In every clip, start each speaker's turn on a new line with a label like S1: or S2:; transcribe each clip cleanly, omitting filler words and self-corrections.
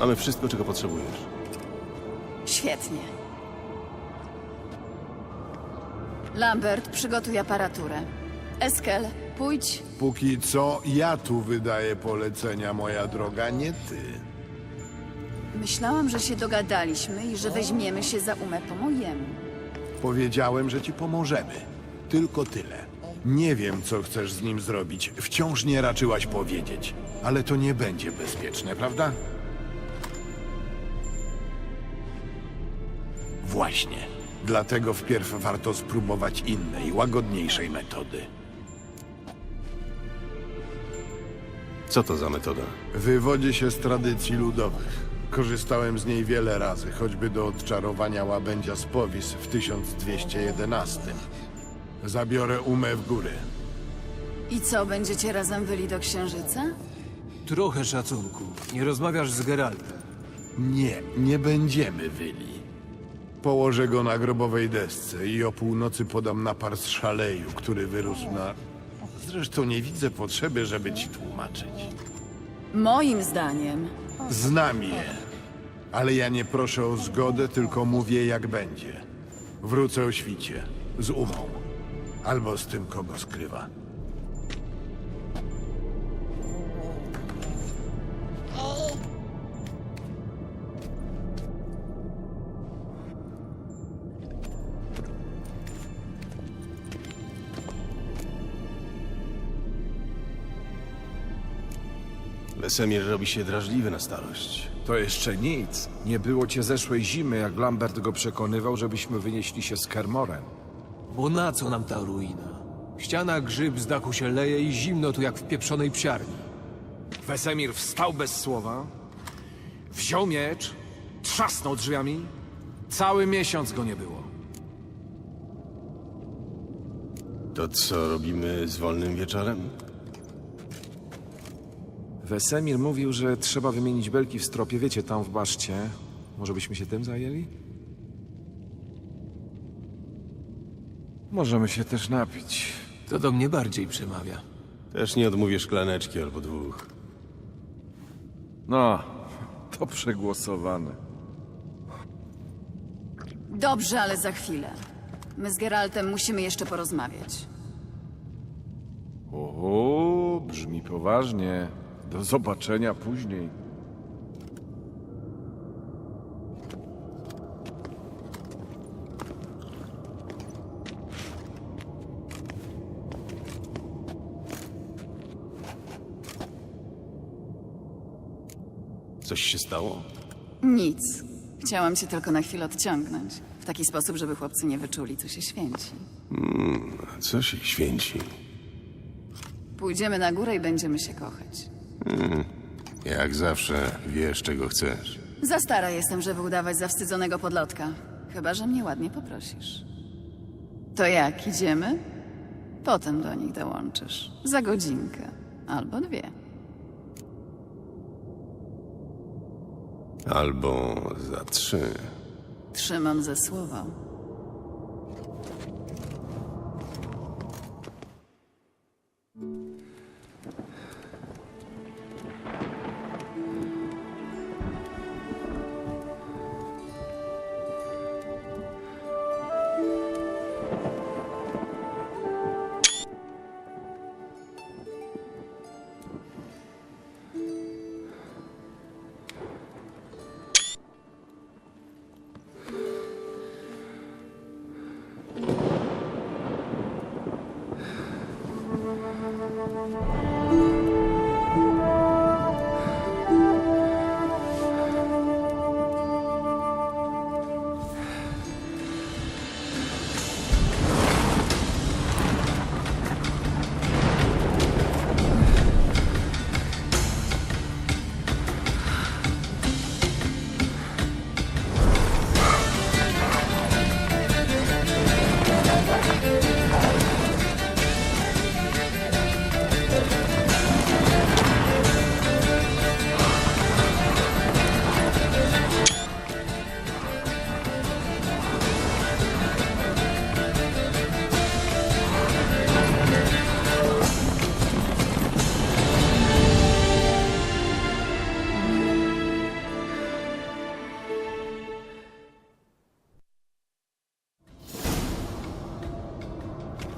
S1: Mamy wszystko, czego potrzebujesz.
S2: Świetnie. Lambert, przygotuj aparaturę. Eskel, pójdź.
S3: Póki co ja tu wydaję polecenia, moja droga, nie ty.
S2: Myślałam, że się dogadaliśmy i że weźmiemy się za umę po mojemu.
S3: Powiedziałem, że ci pomożemy. Tylko tyle. Nie wiem, co chcesz z nim zrobić. Wciąż nie raczyłaś powiedzieć. Ale to nie będzie bezpieczne, prawda? Właśnie. Dlatego wpierw warto spróbować innej, łagodniejszej metody.
S1: Co to za metoda?
S3: Wywodzi się z tradycji ludowych. Korzystałem z niej wiele razy, choćby do odczarowania łabędzia z Powis w 1211. Zabiorę umę w góry.
S2: I co, będziecie razem wyli do księżyca?
S4: Trochę szacunku. Nie rozmawiasz z Geraltem.
S3: Nie, nie będziemy wyli. Położę go na grobowej desce i o północy podam napar z szaleju, który wyrósł na... Zresztą nie widzę potrzeby, żeby ci tłumaczyć.
S2: Moim zdaniem.
S3: Znam je. Ale ja nie proszę o zgodę, tylko mówię jak będzie. Wrócę o świcie. Z umą. Albo z tym, kogo skrywa.
S1: Wesemir robi się drażliwy na starość.
S5: To jeszcze nic. Nie było cię zeszłej zimy, jak Lambert go przekonywał, żebyśmy wynieśli się z Kermorem.
S4: Bo na co nam ta ruina? Ściana grzyb z dachu się leje i zimno tu jak w pieprzonej psiarni.
S5: Wesemir wstał bez słowa, wziął miecz, trzasnął drzwiami. Cały miesiąc go nie było.
S1: To co robimy z wolnym wieczorem?
S5: Wesemir mówił, że trzeba wymienić belki w stropie, wiecie, tam w baszcie. Może byśmy się tym zajęli? Możemy się też napić.
S4: To do mnie bardziej przemawia.
S1: Też nie odmówię szklaneczki albo dwóch.
S5: No, to przegłosowane.
S2: Dobrze, ale za chwilę. My z Geraltem musimy jeszcze porozmawiać.
S5: O, brzmi poważnie. Do zobaczenia później.
S1: Coś się stało?
S2: Nic. Chciałam cię tylko na chwilę odciągnąć. W taki sposób, żeby chłopcy nie wyczuli, co się święci.
S1: Co się święci?
S2: Pójdziemy na górę i będziemy się kochać.
S1: Jak zawsze wiesz, czego chcesz.
S2: Za stara jestem, żeby udawać zawstydzonego podlotka. Chyba że mnie ładnie poprosisz. To jak, idziemy? Potem do nich dołączysz. Za godzinkę. Albo dwie.
S1: Albo za 3.
S2: Trzymam ze słowa.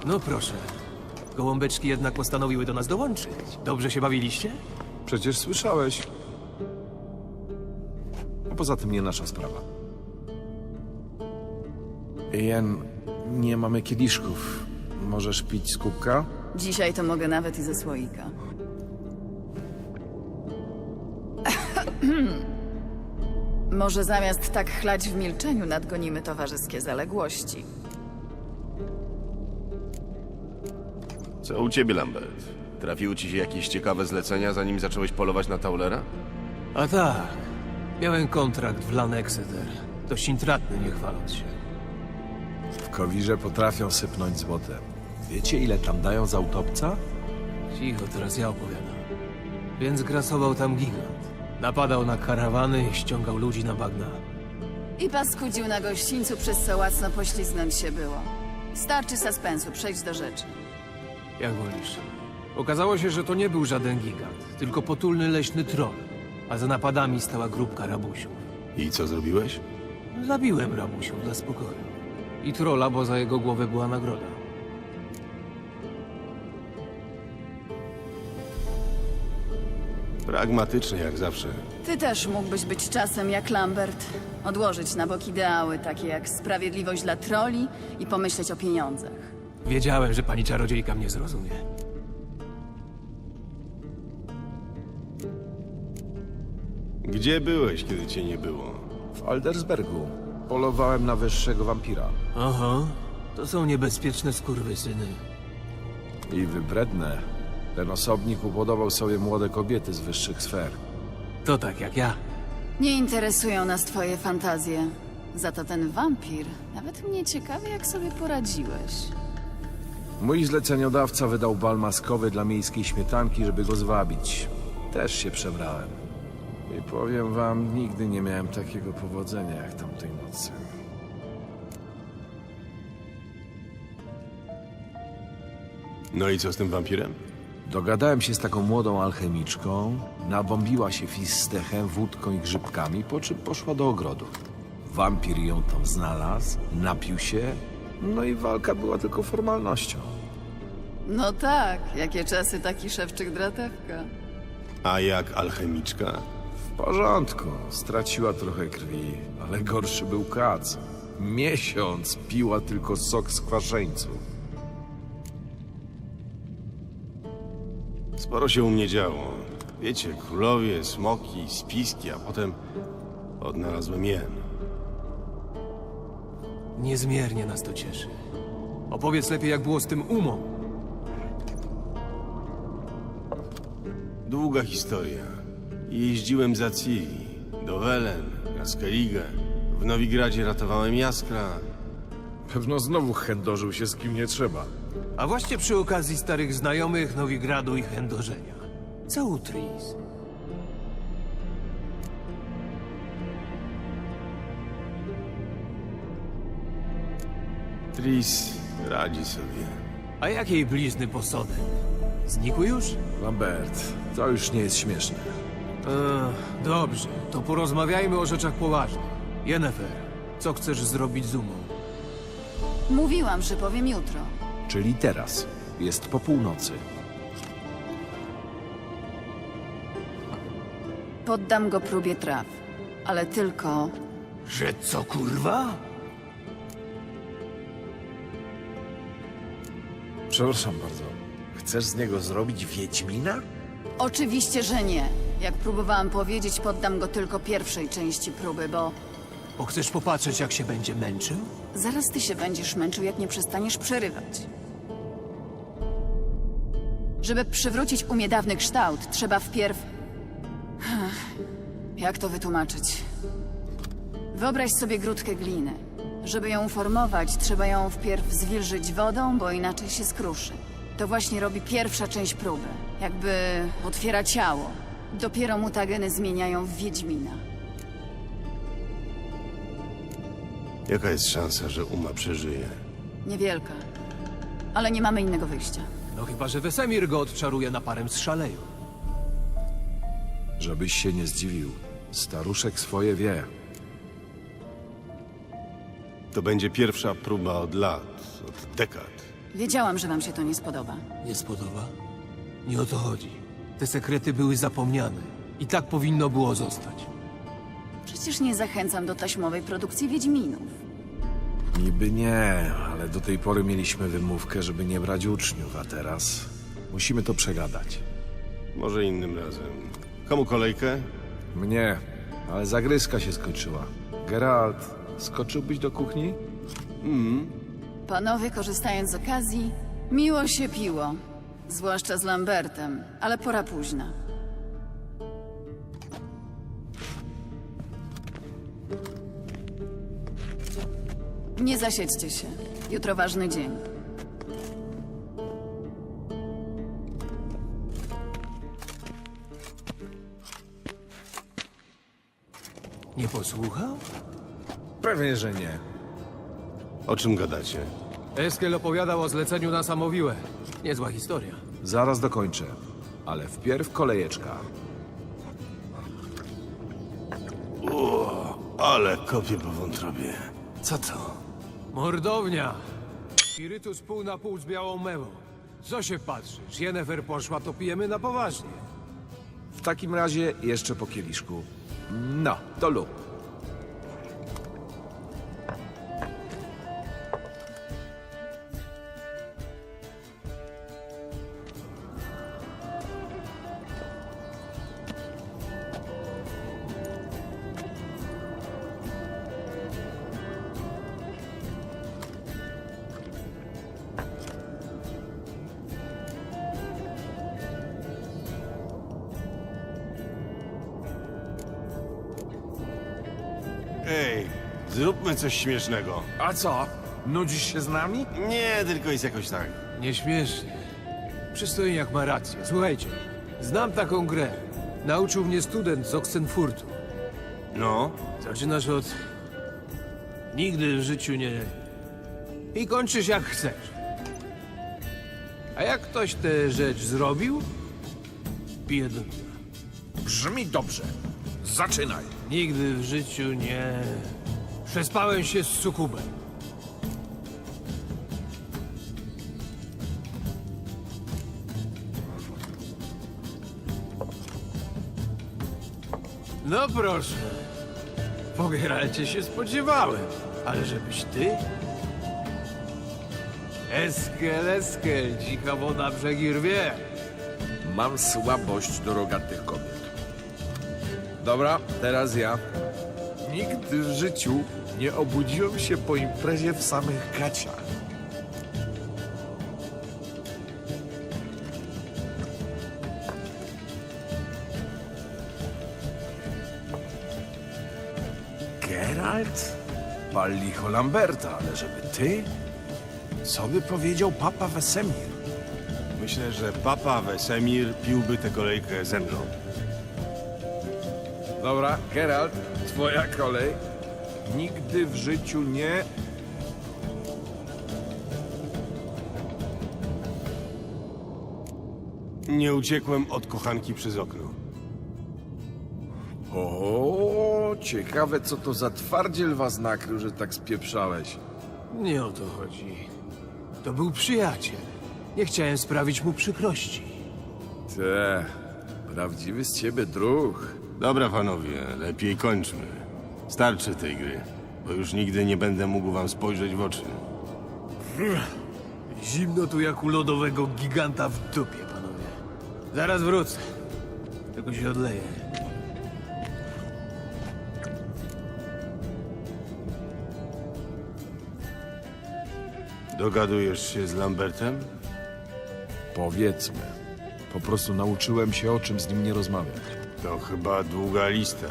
S4: No proszę. Gołąbeczki jednak postanowiły do nas dołączyć. Dobrze się bawiliście?
S6: Przecież słyszałeś. A poza tym nie nasza sprawa. Jen, nie mamy kieliszków. Możesz pić z kubka?
S2: Dzisiaj to mogę nawet i ze słoika. Może zamiast tak chlać w milczeniu nadgonimy towarzyskie zaległości.
S1: Co u ciebie, Lambert? Trafiły ci się jakieś ciekawe zlecenia, zanim zacząłeś polować na Taulera?
S4: A tak. Miałem kontrakt w Lan Exeter. Dość intratny, nie chwaląc się.
S6: W Kowirze potrafią sypnąć złotem. Wiecie, ile tam dają za utopca?
S4: Cicho, teraz ja opowiadam. Więc grasował tam gigant. Napadał na karawany i ściągał ludzi na bagna.
S2: I paskudził na gościńcu, przez co łacno pośliznąć się było. Starczy suspensu, przejdź do rzeczy.
S4: Jak wolisz. Okazało się, że to nie był żaden gigant, tylko potulny leśny troll. A za napadami stała grupka rabusiów.
S1: I co zrobiłeś?
S4: Zabiłem rabusiów dla spokoju. I trolla, bo za jego głowę była nagroda.
S1: Pragmatycznie, jak zawsze.
S2: Ty też mógłbyś być czasem jak Lambert. Odłożyć na bok ideały, takie jak sprawiedliwość dla troli i pomyśleć o pieniądzach.
S4: Wiedziałem, że pani czarodziejka mnie zrozumie.
S1: Gdzie byłeś, kiedy cię nie było?
S6: W Aldersbergu. Polowałem na wyższego wampira.
S4: Aha, to są niebezpieczne skurwysyny.
S6: I wybredne. Ten osobnik upodobał sobie młode kobiety z wyższych sfer.
S4: To tak jak ja.
S2: Nie interesują nas twoje fantazje. Za to ten wampir. Nawet mnie ciekawi, jak sobie poradziłeś.
S6: Mój zleceniodawca wydał bal maskowy dla miejskiej śmietanki, żeby go zwabić. Też się przebrałem. I powiem wam, nigdy nie miałem takiego powodzenia jak tamtej nocy.
S1: No i co z tym wampirem?
S6: Dogadałem się z taką młodą alchemiczką, nabombiła się fistechem, wódką i grzybkami, po czym poszła do ogrodu. Wampir ją tam znalazł, napił się, no i walka była tylko formalnością.
S2: No tak, jakie czasy taki szewczyk dratewka.
S1: A jak alchemiczka?
S6: W porządku, straciła trochę krwi, ale gorszy był kac. Miesiąc piła tylko sok z kwaszeńców.
S1: Sporo się u mnie działo. Wiecie, królowie, smoki, spiski, a potem odnalazłem jen.
S4: Niezmiernie nas to cieszy. Opowiedz lepiej, jak było z tym umą.
S1: Długa historia. Jeździłem za Ciri, do Welen, na Skellige. W Nowigradzie ratowałem Jaskra.
S6: Pewno znowu chędożył się z kim nie trzeba.
S4: A właśnie przy okazji starych znajomych Nowigradu i chędożenia. Co u Tris?
S1: Tris radzi sobie.
S4: A jakiej blizny posodem? Znikły już?
S6: Lambert, to już nie jest śmieszne.
S4: Dobrze, to porozmawiajmy o rzeczach poważnych. Yennefer, co chcesz zrobić z umą?
S2: Mówiłam, że powiem jutro.
S6: Czyli teraz. Jest po północy.
S2: Poddam go próbie traw. Ale tylko...
S4: Że co, kurwa?
S6: Przepraszam bardzo. Chcesz z niego zrobić Wiedźmina?
S2: Oczywiście, że nie. Jak próbowałam powiedzieć, poddam go tylko pierwszej części próby, bo...
S4: Bo chcesz popatrzeć, jak się będzie męczył?
S2: Zaraz ty się będziesz męczył, jak nie przestaniesz przerywać. Żeby przywrócić umie dawny kształt, trzeba wpierw... Jak to wytłumaczyć? Wyobraź sobie grudkę gliny. Żeby ją uformować, trzeba ją wpierw zwilżyć wodą, bo inaczej się skruszy. To właśnie robi pierwsza część próby. Jakby otwiera ciało. Dopiero mutageny zmieniają w Wiedźmina.
S1: Jaka jest szansa, że Uma przeżyje?
S2: Niewielka. Ale nie mamy innego wyjścia.
S4: No chyba, że Wesemir go odczaruje naparem z szaleju.
S6: Żebyś się nie zdziwił. Staruszek swoje wie.
S1: To będzie pierwsza próba od lat, od dekad.
S2: Wiedziałam, że wam się to nie spodoba.
S4: Nie spodoba? Nie o to chodzi. Te sekrety były zapomniane. I tak powinno było zostać.
S2: Przecież nie zachęcam do taśmowej produkcji Wiedźminów.
S6: Niby nie, ale do tej pory mieliśmy wymówkę, żeby nie brać uczniów, a teraz musimy to przegadać.
S1: Może innym razem. Komu kolejkę?
S6: Mnie, ale zagryzka się skończyła. Geralt, skoczyłbyś do kuchni?
S2: Panowie, korzystając z okazji, miło się piło. Zwłaszcza z Lambertem, ale pora późna. Nie zasiedźcie się. Jutro ważny dzień.
S4: Nie posłuchał?
S6: Pewnie, że nie.
S1: O czym gadacie?
S4: Eskel opowiadał o zleceniu na Samowiłę. Niezła historia.
S6: Zaraz dokończę, ale wpierw kolejeczka.
S1: Ale kopię po wątrobie. Co to?
S4: Mordownia! Spirytus pół na pół z białą mewą. Co się patrzysz? Jennefer poszła, to pijemy na poważnie.
S6: W takim razie jeszcze po kieliszku. No, to lub.
S1: Ej, zróbmy coś śmiesznego.
S6: A co? Nudzisz się z nami?
S1: Nie, tylko jest jakoś tak.
S4: Nieśmiesznie. Przystojniak ma rację. Słuchajcie, znam taką grę. Nauczył mnie student z Oxenfurtu.
S1: No,
S4: Zaczynasz od... Nigdy w życiu nie... I kończysz jak chcesz. A jak ktoś tę rzecz zrobił, pije do dna.
S6: Brzmi dobrze. Zaczynaj.
S4: Nigdy w życiu nie... Przespałem się z sukubem. No proszę. Po Geralcie się spodziewałem. Ale żebyś ty? Eskel, Eskel, dzika woda brzegi rwie.
S6: Mam słabość do rogatych kobiet. Dobra, teraz ja. Nigdy w życiu nie obudziłem się po imprezie w samych gaciach. Geralt? Pal licho Lamberta, ale żeby ty? Co by powiedział papa Wesemir?
S1: myślę, że papa Wesemir piłby tę kolejkę ze mną.
S6: Dobra, Geralt, twoja kolej. Nigdy w życiu nie...
S1: Nie uciekłem od kochanki przez okno.
S6: O, ciekawe co to za twardziel was nakrył, że tak spieprzałeś.
S4: Nie o to chodzi. To był przyjaciel. Nie chciałem sprawić mu przykrości.
S6: Te, prawdziwy z ciebie druh.
S1: Dobra, panowie, lepiej kończmy. Starczy tej gry, bo już nigdy nie będę mógł wam spojrzeć w oczy.
S4: Zimno tu jak u lodowego giganta w dupie, panowie. Zaraz wrócę. Tylko się odleję.
S1: Dogadujesz się z Lambertem?
S6: Powiedzmy. Po prostu nauczyłem się, o czym z nim nie rozmawiać.
S1: To chyba długa lista.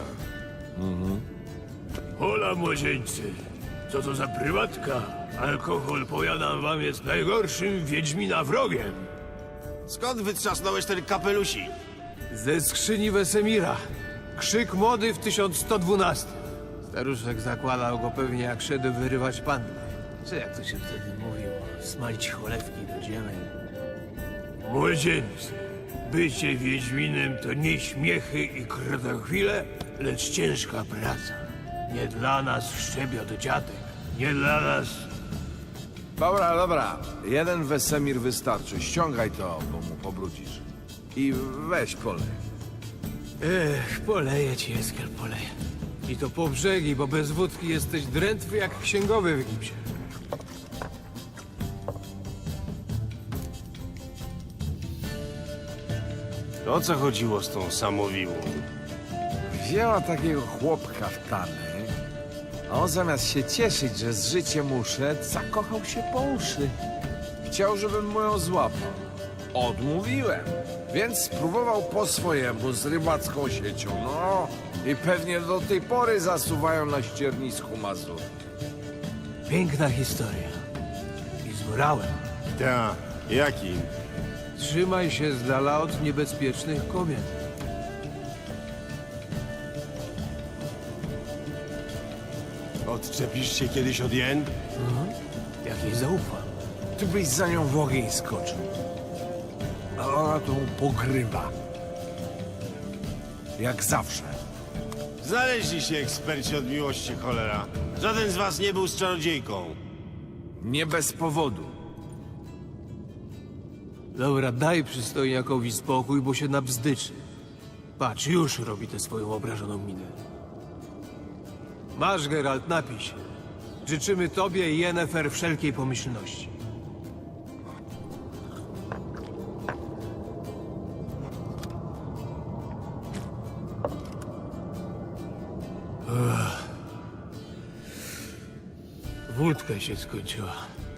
S7: Hola, młodzieńcy. Co to za prywatka? Alkohol, powiadam wam, jest najgorszym wiedźmina wrogiem.
S1: Skąd wytrzasnąłeś ten kapelusik?
S4: Ze skrzyni Wesemira. Krzyk młody w 1112. Staruszek zakładał go pewnie jak szedł wyrywać panny. Czy jak to się wtedy mówiło? Smalić cholewki do ziemi.
S7: Młodzieńcy, bycie wiedźminem to nie śmiechy i krotochwile, lecz ciężka praca. Nie dla nas szczebiot dziadek, nie dla nas...
S6: Dobra. Jeden Wesemir wystarczy. Ściągaj to, bo mu pobrudzisz. I weź kolej.
S4: Poleję ci, Eskiel, poleję. I to po brzegi, bo bez wódki jesteś drętwy jak księgowy w gipsie.
S1: To o co chodziło z tą samowiłą?
S6: Wzięła takiego chłopka w tany, a on zamiast się cieszyć, że z życiem uszedł, zakochał się po uszy. Chciał, żebym mu ją złapał. Odmówiłem, więc spróbował po swojemu z rybacką siecią. No i pewnie do tej pory zasuwają na ściernisku Mazur.
S4: Piękna historia. I z morałem.
S1: Ta, jakim?
S4: Trzymaj się z dala od niebezpiecznych kobiet.
S1: Odczepisz się kiedyś od jen?
S4: Jak jej zaufam.
S6: Ty byś za nią w ogień skoczył. A ona to pogrywa. Jak zawsze.
S1: Znaleźli się eksperci od miłości, cholera. Żaden z was nie był z czarodziejką.
S6: Nie bez powodu.
S4: Dobra, daj przystojniakowi spokój, bo się nabzdyczy. Patrz, już robi tę swoją obrażoną minę. Masz, Geralt, napij się. Życzymy tobie i Yennefer wszelkiej pomyślności. Wódka się skończyła.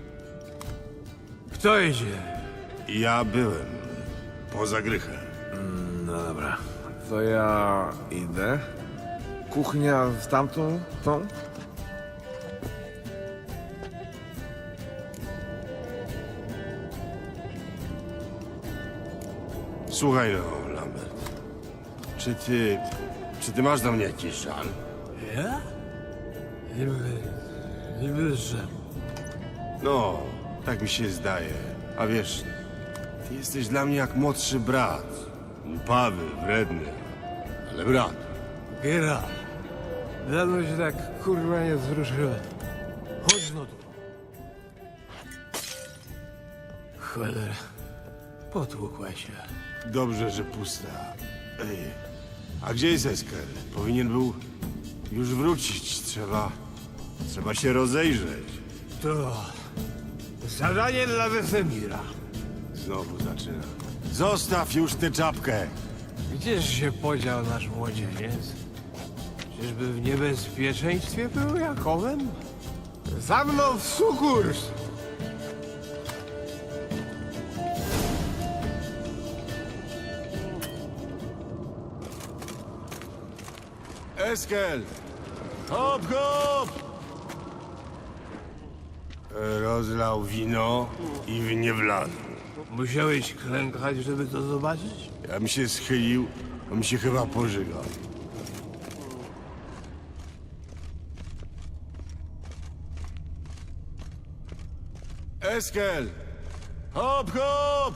S4: Kto idzie?
S1: Ja byłem. Poza grychem.
S6: No dobra. To ja idę. Kuchnia w tamtą, tą?
S1: Słuchaj no, Lambert. Czy ty masz do mnie jakiś żal?
S4: Ja? Niby, że...
S1: No, tak mi się zdaje. A wiesz, ty jesteś dla mnie jak młodszy brat. Upawy, wredny, ale brat.
S4: Geralt, dawno się tak kurwa nie wzruszyłem. Chodź no tu. Cholera, potłukła się.
S1: Dobrze, że pusta. Ej, a gdzie jest Esker? Powinien był już wrócić. Trzeba się rozejrzeć.
S4: To zadanie dla Wesemira.
S1: Znowu zaczyna. Zostaw już tę czapkę.
S4: Gdzież się podział nasz młodzieniec? Czyżby w niebezpieczeństwie był Jakowem? Za mną w sukurs!
S1: Eskel! Hop, hop! Rozlał wino i w nie wlazł.
S4: Musiałeś klękać, żeby to zobaczyć?
S1: Ja bym się schylił, on mi się chyba pożygał. Eskel! Hop, hop!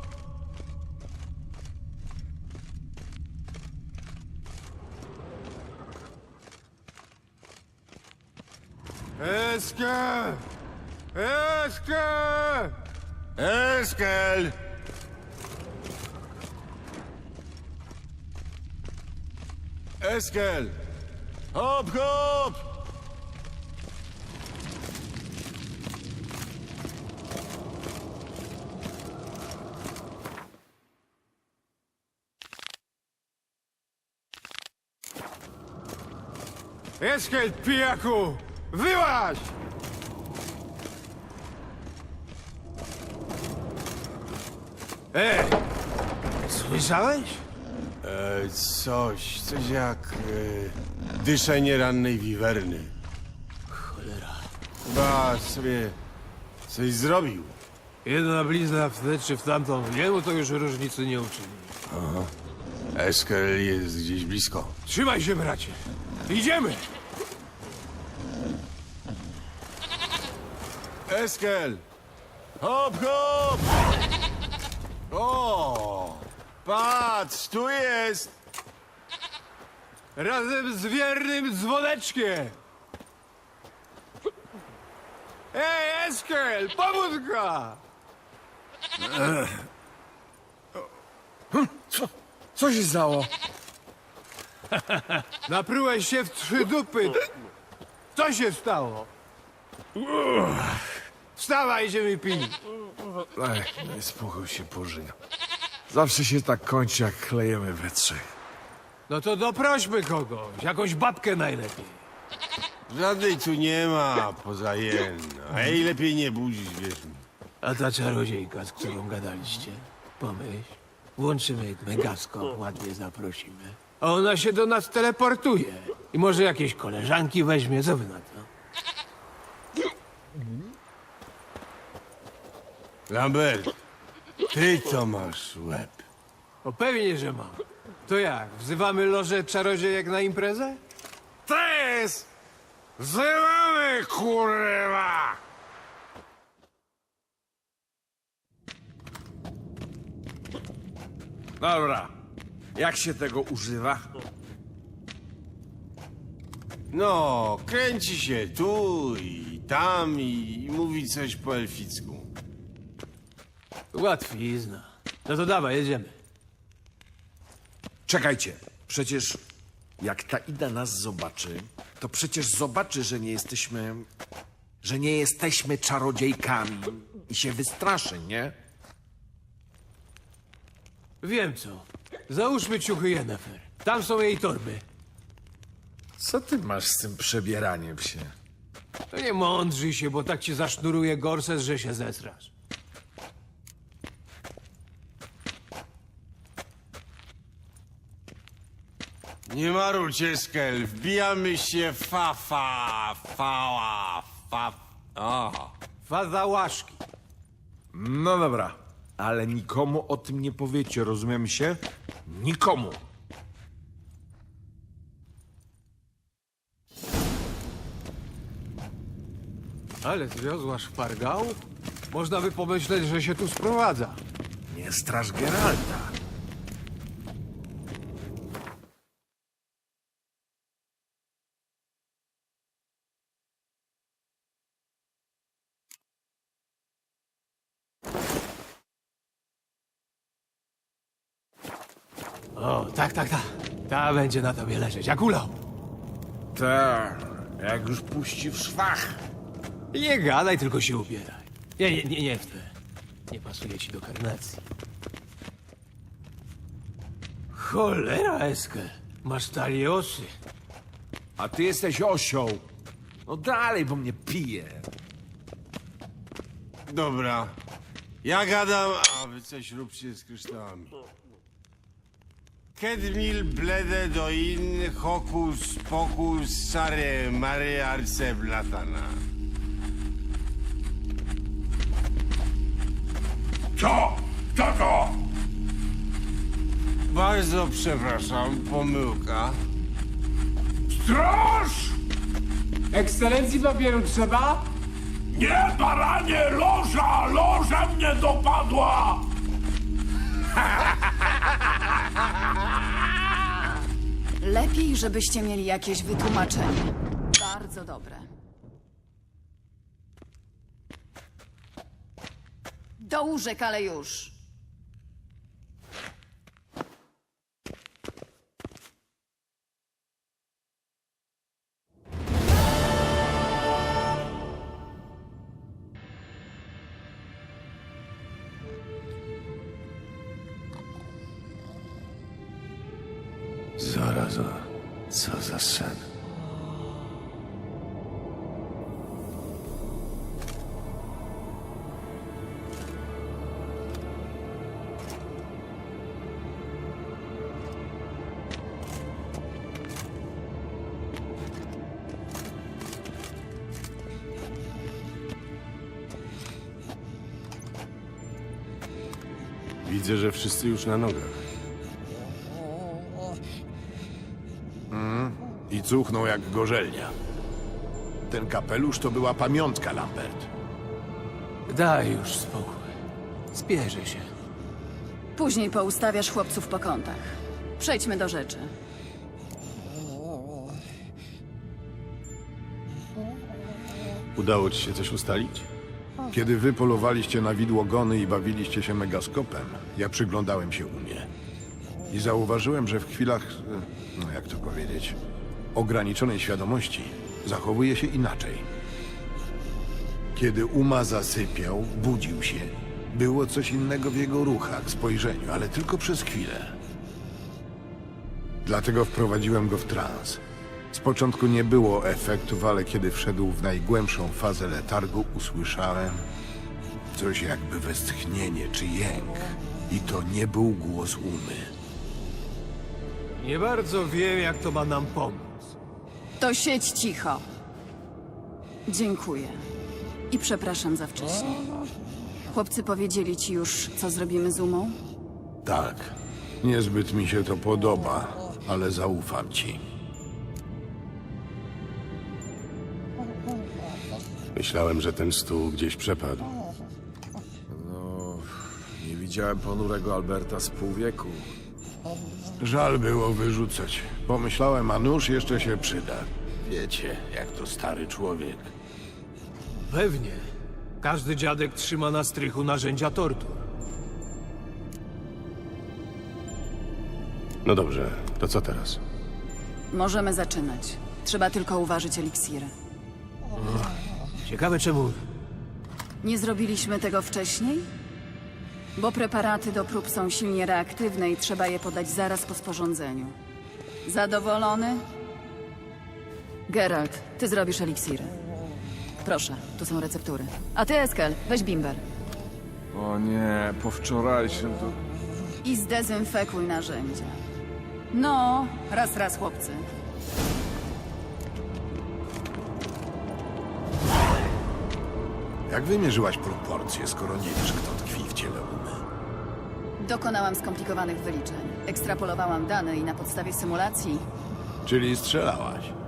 S4: Eskę! Eskę!
S1: Eskel! Eskel! Hop, hop!
S4: Eskel, pijaku! Wyłaź! Ej! Słyszałeś?
S1: Coś jak dyszenie rannej wiwerny.
S4: Cholera.
S1: Chyba sobie coś zrobił.
S4: Jedna blizna w tę czy w tamtą, jemu to już różnicy nie uczyni.
S1: Eskel jest gdzieś blisko.
S4: Trzymaj się, bracie! Idziemy!
S1: Eskel! Hop, hop! O! Patrz, tu jest!
S4: Razem z wiernym dzwoneczkiem! Ej, Eskel, pobudka!
S6: Co się stało?
S4: Naprułeś się w 3 dupy. Co się stało? Wstawaj, idziemy pić.
S6: Ej, daj spokój, się pożyga. Zawsze się tak kończy, jak klejemy we trzech.
S4: No to doprośmy kogoś, jakąś babkę najlepiej.
S1: Żadnej tu nie ma, poza jedną. A jej lepiej nie budzić, wierz mi.
S4: A ta czarodziejka, z którą gadaliście? Pomyśl, włączymy megaskop, ładnie zaprosimy. A ona się do nas teleportuje. I może jakieś koleżanki weźmie, co wy na to?
S1: Lambert, ty to masz łeb.
S4: O pewnie, że mam. To jak, wzywamy lożę czarodziejek na imprezę?
S1: Tres! Wzywamy, kurwa!
S6: Dobra, jak się tego używa?
S1: No, kręci się tu i tam i mówi coś po elficku.
S4: Łatwizna. No to dawaj, jedziemy.
S6: Czekajcie, przecież jak ta Ida nas zobaczy, to przecież zobaczy, że nie jesteśmy czarodziejkami i się wystraszy, nie?
S4: Wiem co. Załóżmy ciuchy Yennefer. Tam są jej torby.
S6: Co ty masz z tym przebieraniem się?
S4: To nie mądrzyj się, bo tak ci zasznuruje gorset, że się zesrasz.
S1: Nie marudź, Eskel, wbijamy się O.
S4: Faza łaszki.
S6: No dobra, ale nikomu o tym nie powiecie, rozumiem się? Nikomu.
S4: Ale zwiozła szpargałów? Można by pomyśleć, że się tu sprowadza.
S6: Nie straż Geralta.
S4: O, tak. Ta będzie na tobie leżeć, jak ulał.
S6: Tak, jak już puści w szwach.
S4: Nie gadaj, tylko się ubieraj. Nie w te. Nie pasuje ci do karnacji. Cholera, Eskel. Masz taliosy.
S6: A ty jesteś osioł. No dalej, bo mnie pije.
S1: Dobra, ja gadam, a wy coś róbcie z kryształami. Kedmil blede do in hokus pokus sare mare arce blatana.
S7: Co? Kto to?
S1: Bardzo przepraszam, pomyłka.
S7: Straż!
S8: Ekscelencji papieru trzeba?
S7: Nie, baranie, loża! Loża mnie dopadła!
S2: Lepiej, żebyście mieli jakieś wytłumaczenie. Bardzo dobre. Do łóżek, ale już.
S4: Zaraza, co za sen.
S1: Widzę, że wszyscy już na nogach.
S3: I cuchną jak gorzelnia. Ten kapelusz to była pamiątka, Lambert.
S4: Daj już spokój. Zbierze się.
S2: Później poustawiasz chłopców po kątach. Przejdźmy do rzeczy.
S1: Udało ci się coś ustalić?
S3: Kiedy wy polowaliście na widłogony i bawiliście się megaskopem, ja przyglądałem się Umie. I zauważyłem, że w chwilach, no jak to powiedzieć, ograniczonej świadomości zachowuje się inaczej. Kiedy Uma zasypiał, budził się. Było coś innego w jego ruchach, spojrzeniu, ale tylko przez chwilę. Dlatego wprowadziłem go w trans. Z początku nie było efektów, ale kiedy wszedł w najgłębszą fazę letargu, usłyszałem coś jakby westchnienie czy jęk. I to nie był głos Umy.
S4: Nie bardzo wiem, jak to ma nam pomóc.
S2: To siedź cicho. Dziękuję. I przepraszam za wcześnie. Chłopcy powiedzieli ci już, co zrobimy z Umą?
S3: Tak, niezbyt mi się to podoba, ale zaufam ci.
S1: Myślałem, że ten stół gdzieś przepadł.
S6: No, nie widziałem ponurego Alberta z pół wieku.
S3: Żal było wyrzucać. Pomyślałem, a nóż jeszcze się przyda. Wiecie, jak to stary człowiek.
S4: Pewnie. Każdy dziadek trzyma na strychu narzędzia tortur.
S1: No dobrze, to co teraz?
S2: Możemy zaczynać. Trzeba tylko uważać eliksiry.
S4: Ciekawe czemu.
S2: Nie zrobiliśmy tego wcześniej? Bo preparaty do prób są silnie reaktywne i trzeba je podać zaraz po sporządzeniu. Zadowolony? Geralt, ty zrobisz eliksiry. Proszę, tu są receptury. A ty, Eskel, weź bimber.
S6: O nie, po wczorajszym to...
S2: I zdezynfekuj narzędzia. No, raz, chłopcy.
S3: Jak wymierzyłaś proporcje, skoro nie wiesz, kto tkwi w ciele Umy?
S2: Dokonałam skomplikowanych wyliczeń. Ekstrapolowałam dane i na podstawie symulacji
S3: Czyli strzelałaś.